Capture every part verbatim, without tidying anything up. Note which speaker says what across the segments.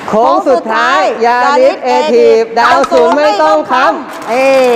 Speaker 1: โค้งสุดท้ายยาริสเอทีฟดาวศูนย์ไม่ต้องค้ำเอ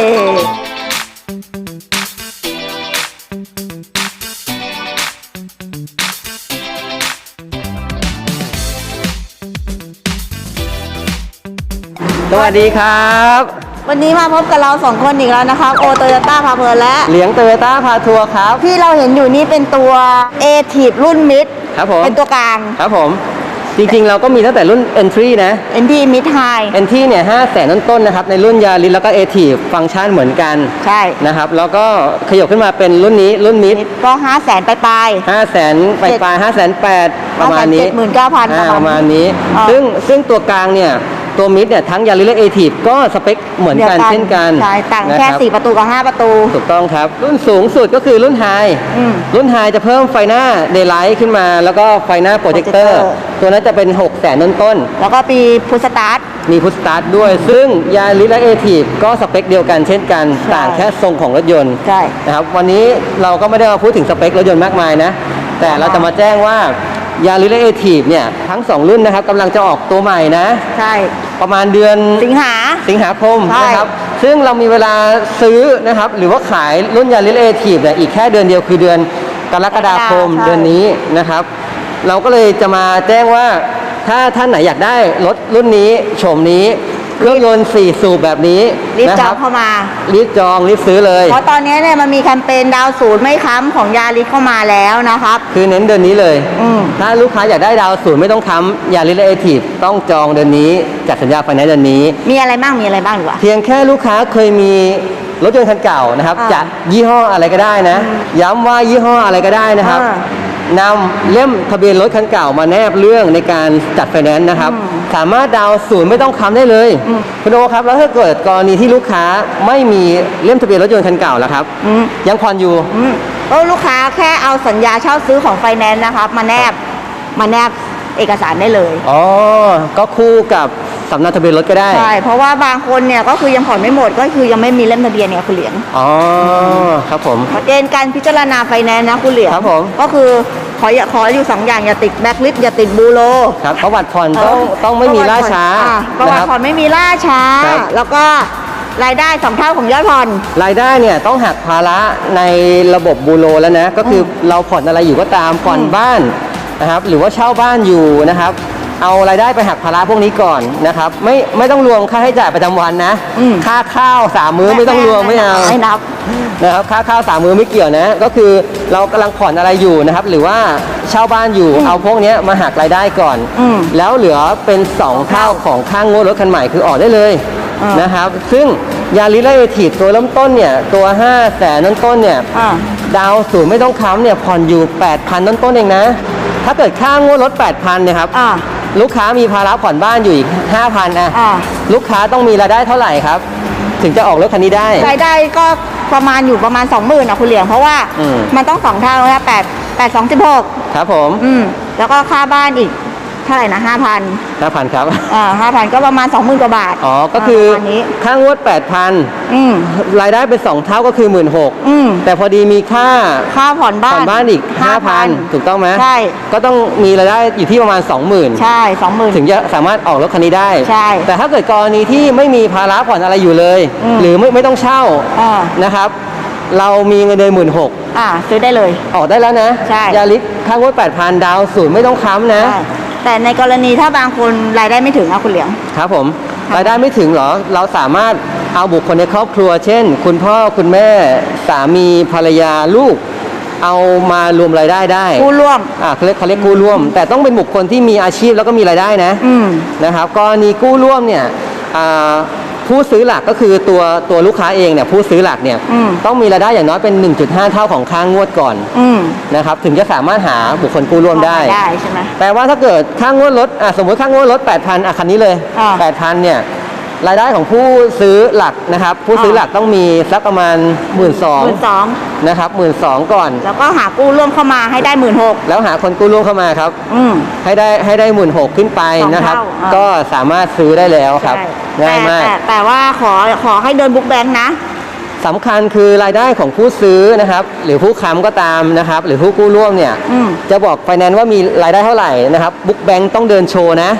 Speaker 1: สวัสดีครับ
Speaker 2: วันนี้มาพบกับเราสองคนอีกแล้วนะครับโอโตโยต้าพาเพลินและ
Speaker 1: เหลียงโตโยต้าพาทัวร์ครับ
Speaker 2: ที่เราเห็นอยู่นี่เป็นตัว เอ ทีฟ รุ่นมิด
Speaker 1: ครับผม
Speaker 2: เป็นตัวกลาง
Speaker 1: ครับผมจริงๆเราก็มีตั้งแต่รุ่น Entry นะ
Speaker 2: Entry Mid High
Speaker 1: Entry เนี่ยห้าแสนต้นๆนะครับในรุ่นยาริสแล้วก็ เอ ที ฟังก์ชันเหมือนกัน
Speaker 2: ใช่
Speaker 1: นะครับแล้วก็ขยับขึ้นมาเป็นรุ่นนี้รุ่นมิด
Speaker 2: ก็ห้าแสนปลาย
Speaker 1: ๆห้าแสนปลายๆห้าแสนแปดประมาณนี้
Speaker 2: เจ็ดหมื่นเก้าพัน
Speaker 1: ประมาณนี้ซึ่งซึ่งตัวกลางเนี่ยตัวมิดเนี่ยทั้งยาริสและเอทีฟก็สเปคเหมือนกันเช่นกัน
Speaker 2: ใช่ต่างแค่สี่ประตูกับห้าประตู
Speaker 1: ถูกต้องครับรุ่นสูงสุดก็คือรุ่นไฮรุ่นไฮจะเพิ่มไฟหน้าเดย์ไลท์ขึ้นมาแล้วก็ไฟหน้าโปรเจคเตอร์ตัวนั้นจะเป็นหกแสนต้น
Speaker 2: ๆแล้วก็มีพุชสตาร์ท
Speaker 1: มีพุชสตาร์ทด้วยซึ่งยาริสและเอทีฟก็สเปคเดียวกันเช่นกันต่างแค่ทรงของรถยนต์
Speaker 2: ใช่
Speaker 1: นะครับวันนี้เราก็ไม่ได้มาพูดถึงสเปครถยนต์มากมายนะแต่เราจะมาแจ้งว่ายาริสและเอทีฟเนี่ยทั้งสองรุ่นนะครับกำลังจะออกตัวใหม่นะ
Speaker 2: ใช่
Speaker 1: ประมาณเดือน
Speaker 2: สิงหา
Speaker 1: สิงหาคมนะครับซึ่งเรามีเวลาซื้อนะครับหรือว่าขายรุ่นยาริสเอทีฟเนี่ยอีกแค่เดือนเดียวคือเดือนกรกฎาคมเดือนนี้นะครับเราก็เลยจะมาแจ้งว่าถ้าท่านไหนอยากได้รถรุ่นนี้โฉมนี้เครื่องยนต์สี่สูบแบบนี้
Speaker 2: รีบจองเข้ามา
Speaker 1: รีบจองรีบซื้อเลย
Speaker 2: เพราะตอนนี้เนี่ยมันมีแคมเปญดาวศูนย์ไม่ค้ำของยาริสเข้ามาแล้วนะครับ
Speaker 1: คือเน้นเดือนนี้เลยถ้าลูกค้าอยากได้ดาวศูนย์ไม่ต้องค้ำยาริสเอทีฟต้องจองเดือนนี้จัดสัญญาไฟแนนซ์เดือนนี้
Speaker 2: มีอะไรบ้างมีอะไรบ้างดีกว่า
Speaker 1: เพียงแค่ลูกค้าเคยมีรถยนต์คันเก่านะครับจากยี่ห้ออะไรก็ได้นะย้ำว่ายี่ห้ออะไรก็ได้นะครับนำเล่มทะเบียนรถคันเก่ามาแนบเรื่องในการจัดไฟแนนซ์นะครับสามารถดาวศูนย์ไม่ต้องค้ำได้เลยคุณโอครับแล้วถ้าเกิดกรณีที่ลูกค้าไม่มีเล่มทะเบียนรถยนต์คันเก่าแล้วครับยังผ่อนอยู่
Speaker 2: ก็ลูกค้าแค่เอาสัญญาเช่าซื้อของไฟแนนซ์นะครับมาแนบมาแนบเอกสารได้เลย
Speaker 1: อ๋อก็คู่กับสำเนาทะเบียนรถก็ได้
Speaker 2: ใช่เพราะว่าบางคนเนี่ยก็คือยังผ่อนไม่หมดก็คือยังไม่มีเล่มทะเบียนเนี่ยคุณเหลียง
Speaker 1: อ๋อครับผม
Speaker 2: เกณฑ์การพิจารณาไฟแนนซ์นะคุณเหลียง
Speaker 1: ครับผม
Speaker 2: ก็คือขออย่าขออยู่สองอย่างอย่าติดแบ็คลิสต์อย่าติดบูโร
Speaker 1: ครับประวัติผ่อนต้องต้องไม่มีล่าช้า
Speaker 2: ประวัติผ่อนไม่มีล่าช้าแล้วก็รายได้สองเท่าของยอดผ่อน
Speaker 1: รายได้เนี่ยต้องหักภาระในระบบบูโรแล้วนะก็คือเราผ่อนอะไรอยู่ก็ตามผ่อนบ้านนะครับหรือว่าเช่าบ้านอยู่นะครับเอารายได้ไปหักภาระพวกนี้ก่อนนะครับไม่ไม่ต้องรวมค่าใช้จ่ายประจำวันนะค่าข้าวสามมื้อไม่ต้องรวมไม่เอา
Speaker 2: ไม่นับ
Speaker 1: นะครับค่าข้าวสามมื้อไม่เกี่ยวนะก็คือเรากำลังผ่อนอะไรอยู่นะครับหรือว่าเช่าบ้านอยู่เอาพวกนี้มาหักรายได้ก่อนแล้วเหลือเป็นสองเท่าของค่างวดรถคันใหม่คือออกได้เลยนะครับซึ่งยาริสและเอทีฟตัวเริ่มต้นเนี่ยตัวห้าแสนต้นๆเนี่ยดาวศูนย์ไม่ต้องค้ำเนี่ยผ่อนอยู่ แปดพัน ต้นๆเองนะถ้าเกิดค่างวดรถ แปดพัน เนี่ยครับลูกค้ามีภาระผ่อนบ้านอยู่อีก ห้าพัน นะลูกค้าต้องมีรายได้เท่าไหร่ครับถึงจะออกรถคันนี้ได้
Speaker 2: รายได้ก็ประมาณอยู่ประมาณ สองหมื่น อ่ะคุณเหลียงเพราะว่ามันต้องสองเท่าแล้วแปด แปด สอง สิบหก
Speaker 1: ครับผม
Speaker 2: อืมแล้วก็ค่าบ้านอีกเท่าไหร่นะ ห้าพัน
Speaker 1: ห้าพัน ครับ
Speaker 2: อ่า ห้าพัน ก็ประมาณ สองหมื่น กว่าบาท
Speaker 1: อ๋อก็คือค่างวด แปดพัน อืมรายได้เป็นสองเท่าก็คือ หนึ่งหมื่นหกพัน อืมแต่พอดีมีค่า
Speaker 2: ค่าผ่อนบ้าน
Speaker 1: ผ่อนบ้านอีก ห้าพัน ถูกต้องไหม
Speaker 2: ใช่
Speaker 1: ก็ต้องมีรายได้อยู่ที่ประมาณ สองหมื่น
Speaker 2: ใช่ สองหมื่น
Speaker 1: ถึงจะสามารถออกรถคันนี้ได้
Speaker 2: ใช่
Speaker 1: แต่ถ้าเกิดกรณีที่ไม่มีภาระผ่อนอะไรอยู่เลยหรือไม่ไม่ต้องเช่านะครับเรามีเงินเดือนหมื่นหก
Speaker 2: อ่าซื้อได้เลย
Speaker 1: ออกได้แล้วนะ
Speaker 2: ใช่
Speaker 1: ยาริสค่างวด แปดพัน ดาวศูนย์ไม่ต้องค้ำนะ
Speaker 2: แต่ในกรณีถ้าบางคนรายได้ไม่ถึงนะคุณเหลียง
Speaker 1: ครับผมรายได้ไม่ถึงเหรอเราสามารถเอาบุคคลในครอบครัวเช่นคุณพ่อคุณแม่สามีภรรยาลูกเอามารวมรายได้ได้
Speaker 2: กู้ร่วม
Speaker 1: อ่าเขาเรียกเขาเรียกกู้ร่วมแต่ต้องเป็นบุคคลที่มีอาชีพแล้วก็มีรายได้นะนะครับกรณีกู้ร่วมเนี่ยผู้ซื้อหลักก็คือตัวตัวลูกค้าเองเนี่ยผู้ซื้อหลักเนี่ยต้องมีรายได้อย่างน้อยเป็น หนึ่งจุดห้า เท่าของค่างวดก่อนนะครับถึงจะสามารถหาบุคคลกู้ร่วมได้
Speaker 2: ได้ใช่ไหม
Speaker 1: แปลว่าถ้าเกิดค่างวดรถอ่ะสมมติค่างวดรถ แปดพัน อ่ะคันนี้เลย แปดพัน เนี่ยรายได้ของผู้ซื้อหลักนะครับผู้ซื้อหลักต้องมีสักประมาณ หนึ่งหมื่นสองพัน นะครับ หนึ่งหมื่นสองพัน ก่อน
Speaker 2: แล้วก็หากู้ร่วมเข้ามาให้ได้ หนึ่งหมื่นหกพัน
Speaker 1: แล้วหาคนกู้ร่วมเข้ามาครับให้ได้ให้ได้ หนึ่งหมื่นหกพัน ขึ้นไปนะครับก็สามารถซื้อได้แล้วครับง่ายมาก
Speaker 2: แต่แต่ว่าขอขอให้เดินบุ๊กแบงค์นะ
Speaker 1: สำคัญคือรายได้ของผู้ซื้อนะครับหรือผู้ค้ำก็ตามนะครับหรือผู้กู้ร่วมเนี่ยจะบอกไฟแนนซ์ว่ามีรายได้เท่าไหร่นะครับบุ๊กแบงค์ต้องเดินโชว์นะ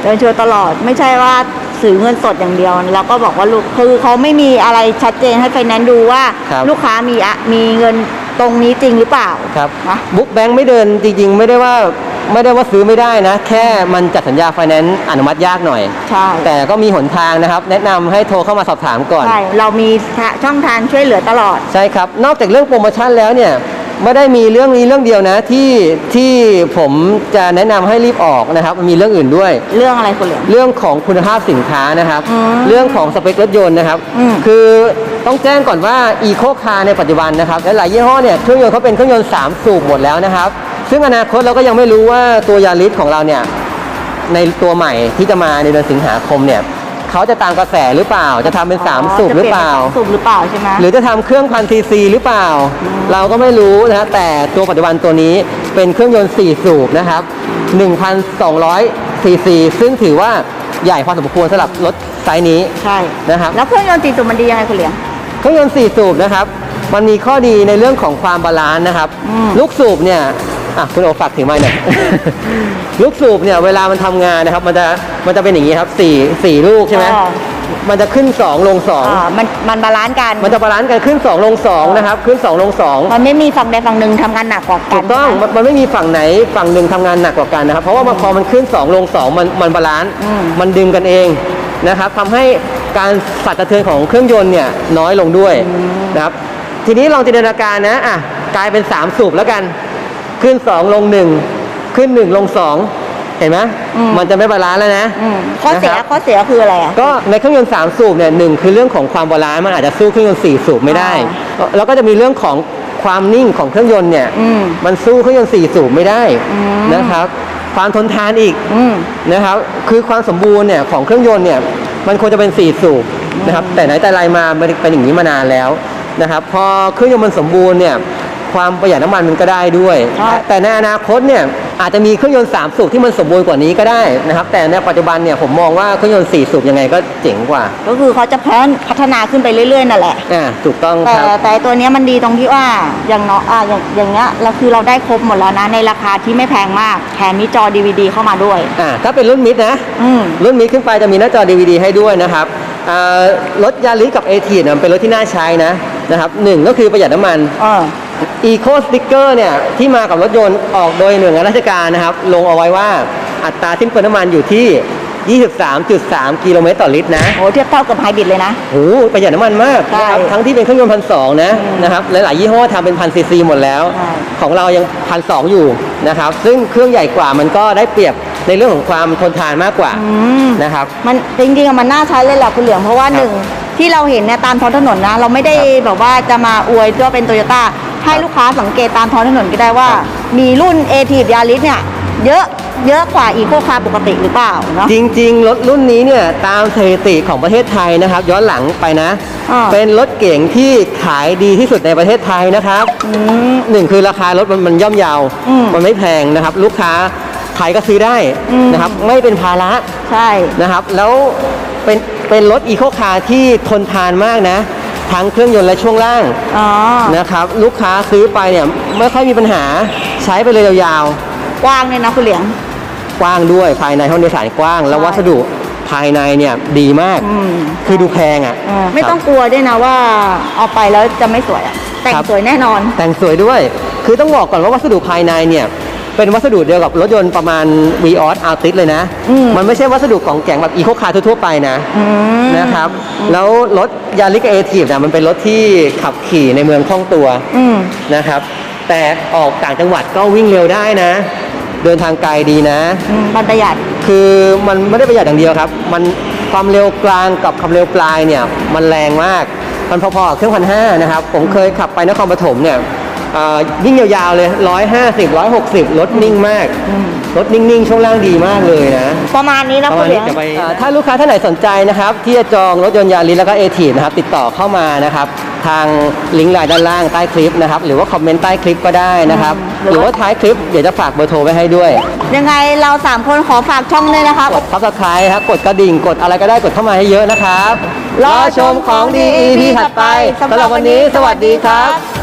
Speaker 2: เดินโชว์ตลอดไม่ใช่ว่าซื้อเงินสดอย่างเดียวเราก็บอกว่าลูกคือเขาไม่มีอะไรชัดเจนให้ไฟแนนซ์ดูว่า
Speaker 1: ครับ
Speaker 2: ลูกค้ามีอะมีเงินตรงนี้จริงหรือเปล่า
Speaker 1: ครับ
Speaker 2: นะ
Speaker 1: บุ๊กแบงค์ไม่เดินจริงๆ ไม่ได้ว่าไม่ได้ว่าซื้อไม่ได้นะ แค่มันจัดสัญญาไฟแนนซ์อนุมัติยากหน่อย
Speaker 2: ใช่
Speaker 1: แต่ก็มีหนทางนะครับ แนะนำให้โทรเข้ามาสอบถามก่อน
Speaker 2: ใช่เรามีช่องทางช่วยเหลือตลอด
Speaker 1: ใช่ครับ นอกจากเรื่องโปรโมชั่นแล้วเนี่ยไม่ได้มีเรื่องนี้เรื่องเดียวนะที่ที่ผมจะแนะนำให้รีบออกนะครับมันมีเรื่องอื่นด้วย
Speaker 2: เรื่องอะไรคุณเหลือง
Speaker 1: เรื่องของคุณภาพสินค้านะครับ
Speaker 2: อืม
Speaker 1: เรื่องของสเปครถยนต์นะครับ
Speaker 2: อืม
Speaker 1: คือต้องแจ้งก่อนว่าอีโคคาร์ในปัจจุบันนะครับและหลายยี่ห้อเนี่ยเครื่องยนต์เขาเป็นเครื่องยนต์สามสูบหมดแล้วนะครับ ซึ่งอนาคตเราก็ยังไม่รู้ว่าตัวยาริสของเราเนี่ยในตัวใหม่ที่จะมาในเดือนสิงหาคมเนี่ยเขาจะตามกระแสหรือเปล่า จะทำเป็นสามสูบหรือเปล่า
Speaker 2: จะปลี่ยนนสมสูบหรือเปล่าใช่ไหม
Speaker 1: หรือจะทำเครื่องพันซีซีหรือเปล่า เราก็ไม่รู้นะฮะแต่ตัวปัจจุบันตัวนี้เป็นเครื่องยนต์สี่สูบนะครับ หนึ่งพันสองร้อย ซีซี ซึ่งถือว่าใหญ่พอสมควรสำหรับรถไซส์นี้
Speaker 2: ใช่
Speaker 1: นะครับ
Speaker 2: แล้วเครื่องยนต์สี่สูบมันดียังไงคุณเหลียง
Speaker 1: เครื่องยนต์สี่สูบนะครับ มันมีข้อดีในเรื่องของความบาลานซ์นะครับ
Speaker 2: อืม
Speaker 1: ลูกสูบเนี่ยอ่ะคุณโอฝากถือไม้หน่อย ลูกสูบเนี่ยเวลามันทำงานนะครับ มันจะมันจะเป็นอย่างนี้ครับสี่สี่ลูกใช่ไหม
Speaker 2: อ่า
Speaker 1: มันจะขึ้นสองลงสอง
Speaker 2: อ่ามันมันบาลานซ์กัน
Speaker 1: มันจะบาลานซ์กันขึ้นสองลงสองนะครับ ขึ้นสองลงสอง
Speaker 2: มันไม่มีฝั่งใดฝั่งหนึ่งทำงานหนักกว่ากั
Speaker 1: ถู
Speaker 2: น
Speaker 1: กต้องมันมันไม่มีฝั่งไหนฝั่งหนึ่งทำงานหนักกว่ากันนะครับ เพราะว่ามันพอมันขึ้นสองลงสองมันมันบาลานซ์
Speaker 2: อืม
Speaker 1: มันดึงกันเองนะครับทำให้การสั่นสะเทือนของเครื่องยนต์เนี่ยน้อยลงด้วยนะครับ ทีนี้ลองจินตนาการนะอ่ะกลายเป็นสามสูบแล้วกัน ขึ้นสองลงหนึ่งขึ้นหนึ่งลงสองเห็นไหมมันจะไม่บาลานซ์แล้วนะ
Speaker 2: อืมข้อเสีย
Speaker 1: นะครับ
Speaker 2: ข้อเสียคืออะไรอ่ะ
Speaker 1: ก็ในเครื่องยนต์สามสูบเนี่ยหนึ่งคือเรื่องของความบาลานซ์มันอาจจะสู้เครื่องยนต์สี่สูบไม่ได้ แล้วก็จะมีเรื่องของความนิ่งของเครื่องยนต์เนี่ย
Speaker 2: อืม
Speaker 1: มันสู้เครื่องยนต์สี่สูบไม่ได้
Speaker 2: อืม
Speaker 1: นะครับ ความทนทานอีก
Speaker 2: อืม
Speaker 1: นะครับคือความสมบูรณ์เนี่ยของเครื่องยนต์เนี่ยมันควรจะเป็นสี่สูบนะครับแต่ไหนแต่ไรมามันเป็นอย่างนี้มานานแล้วนะครับพอเครื่องยนต์มันสมบูรณ์เนี่ยความประหยัดน้ำมันมันก็ได้ด้วย
Speaker 2: ใช่
Speaker 1: แต่ในอนาคตเนี่ยอาจจะมีเครื่องยนต์สามสูบที่มันสมบูรณ์กว่านี้ก็ได้นะครับแต่ในปัจจุบันเนี่ยผมมองว่าเครื่องยนต์สี่สูบยังไงก็เจ๋งกว่า
Speaker 2: ก็คือเขาจะพัฒนพัฒนาขึ้นไปเรื่อยๆนั่นแหละ
Speaker 1: อ่าถูกต้อง
Speaker 2: แต่
Speaker 1: ครับ
Speaker 2: แต่ตัวเนี้ยมันดีตรงที่ว่าอย่างเนาะอ่าอย่างอย่างเงี้ยเราคือเราได้ครบหมดแล้วนะในราคาที่ไม่แพงมากแถมมีจอ ดี วี ดี เข้ามาด้วย
Speaker 1: อ่าถ้าเป็นรุ่นมิดนะ
Speaker 2: อืม
Speaker 1: รุ่นมิดขึ้นไปจะมีหน้าจอ ดี วี ดี ให้ด้วยนะครับอ่ารถยาริสกับเอทีเนี่ยเป็นรถที่น่าใช้นะนะครับหนึ่งก็คือประหยัดน้ำมัน
Speaker 2: เออ
Speaker 1: Eco Sticker เนี่ยที่มากับรถยนต์ออกโดยหน่วยงานราชการนะครับ ลงเอาไว้ว่าอัตราสิ้นเปลืองน้ำมันอยู่ที่ ยี่สิบสามจุดสาม กิโลเมตรต่อลิตรนะ
Speaker 2: โหเทียบเท่ากับไฮบริดเลยนะ
Speaker 1: โอ้โหประหยัดน้ำมันมาก
Speaker 2: ใช่
Speaker 1: นะครับทั้งที่เป็นเครื่องยนต์พันสองนะนะครับหลายๆยี่ห้อทำเป็นพันซีซีหมดแล้ว
Speaker 2: ใช่
Speaker 1: ของเรายังพันสองอยู่นะครับซึ่งเครื่องใหญ่กว่ามันก็ได้เปรียบในเรื่องของความทนทานมากกว่า
Speaker 2: อืม
Speaker 1: นะครับ
Speaker 2: มันจริงๆอะมันน่าใช้เลยแหละคุณเหลืองเพราะว่าหนึ่งที่เราเห็นเนี่ยตามท้องถนนนะ เราไม่ได้
Speaker 1: ครับ
Speaker 2: แบบว่าจะมาอวยว่าเป็นโตโยต้าให้ลูกค้าสังเกตตามท้องถนนก็ได้ว่า
Speaker 1: ครับ
Speaker 2: มีรุ่น เอ ที ยาริสเนี่ยเยอะเยอะกว่าอีโคคาร์ปกติหรือเปล่าเนาะ
Speaker 1: จริงๆ รถรุ่นนี้เนี่ยตามสถิติของประเทศไทยนะครับ ย้อนหลังไปนะ
Speaker 2: อ่า
Speaker 1: เป็นรถเก๋งที่ขายดีที่สุดในประเทศไทยนะครับ
Speaker 2: อืม
Speaker 1: หนึ่งคือราคารถมันมันย่อมเยาว
Speaker 2: อืม
Speaker 1: มันไม่แพงนะครับ ลูกค้าใครก็ซื้อได้
Speaker 2: อืม
Speaker 1: นะครับ ไม่เป็นภาระ
Speaker 2: ใช่
Speaker 1: นะครับ แล้วเป็นเป็นรถอีโคคาร์ที่ทนทานมากนะ ทั้งเครื่องยนต์และช่วงล่าง
Speaker 2: อ๋อ
Speaker 1: นะครับ ลูกค้าซื้อไปเนี่ยไม่ค่อยมีปัญหาใช้ไปเลยยาว
Speaker 2: กว้างเลยนะคุณเหลียง
Speaker 1: ๆ กว้างด้วยภายในห้องโดยสารกว้าง แล้ว
Speaker 2: ใช่
Speaker 1: วัสดุภายในเนี่ยดีมาก
Speaker 2: อืม
Speaker 1: คือดูแพงอ่ะ
Speaker 2: เออไม่ต้องกลัวด้วยนะว่าเอาไปแล้วจะไม่สวยอะแต่ง
Speaker 1: ครับ
Speaker 2: สวยแน่นอน
Speaker 1: แต่งสวยด้วย คือต้องบอกก่อนว่าวัสดุภายในเนี่ยเป็นวัสดุเดียวกับรถยนต์ประมาณ Vios Altis เลยนะ
Speaker 2: อืม
Speaker 1: มันไม่ใช่วัสดุของแกงแบบอีโคคาร์ทั่วๆไปนะ
Speaker 2: อืม
Speaker 1: นะครับ แล้วรถยาริสเอทีฟเนี่ยมันเป็นรถที่ขับขี่ในเมืองคล่องตัว
Speaker 2: อืม
Speaker 1: นะครับ แต่ออกต่างจังหวัดก็วิ่งเร็วได้นะ เดินทางไกลดีนะ
Speaker 2: อืมมันประหยัด
Speaker 1: คือมันไม่ได้ประหยัดอย่างเดียวครับ มันความเร็วกลางกับความเร็วปลายเนี่ยมันแรงมาก มันพอๆกับเครื่องพันห้านะครับ ผมเคยขับไปนครปฐมเนี่ยเอ่อวิ่งยาวๆเลยร้อยห้าสิบร้อยหกสิบรถนิ่งมาก
Speaker 2: อืม
Speaker 1: รถนิ่งๆ ช่วงล่างดีมากเลยนะ
Speaker 2: ประมาณนี้นะ
Speaker 1: ประ
Speaker 2: คุ
Speaker 1: มา
Speaker 2: ณ
Speaker 1: ณ
Speaker 2: เหลี
Speaker 1: นี้
Speaker 2: ยง
Speaker 1: จะไปเอ่อถ้าลูกค้าท่านไหนสนใจนะครับ ที่จะจองรถยนต์ยาริสแล้วก็เอทีนะครับ ติดต่อเข้ามานะครับ ทางลิงก์ไลน์ด้านล่างใต้คลิปนะครับ หรือว่าคอมเมนต์ใต้คลิปก็ได้นะครับ
Speaker 2: อืม
Speaker 1: หรือว่าท้ายคลิปเดี๋ยวจะฝากเบอร์โทรไว้ให้ด้วย
Speaker 2: ยังไงเราสามคนขอฝากช่องด้วยนะครับ
Speaker 1: กด Subscribe ครับกดกระดิ่งกดอะไรก็ได้กดเข้ามาให้เยอะนะครับ
Speaker 2: รอชมของดี
Speaker 1: อี พี ถัดไปสำหรับวันนี้สวัสดีครับ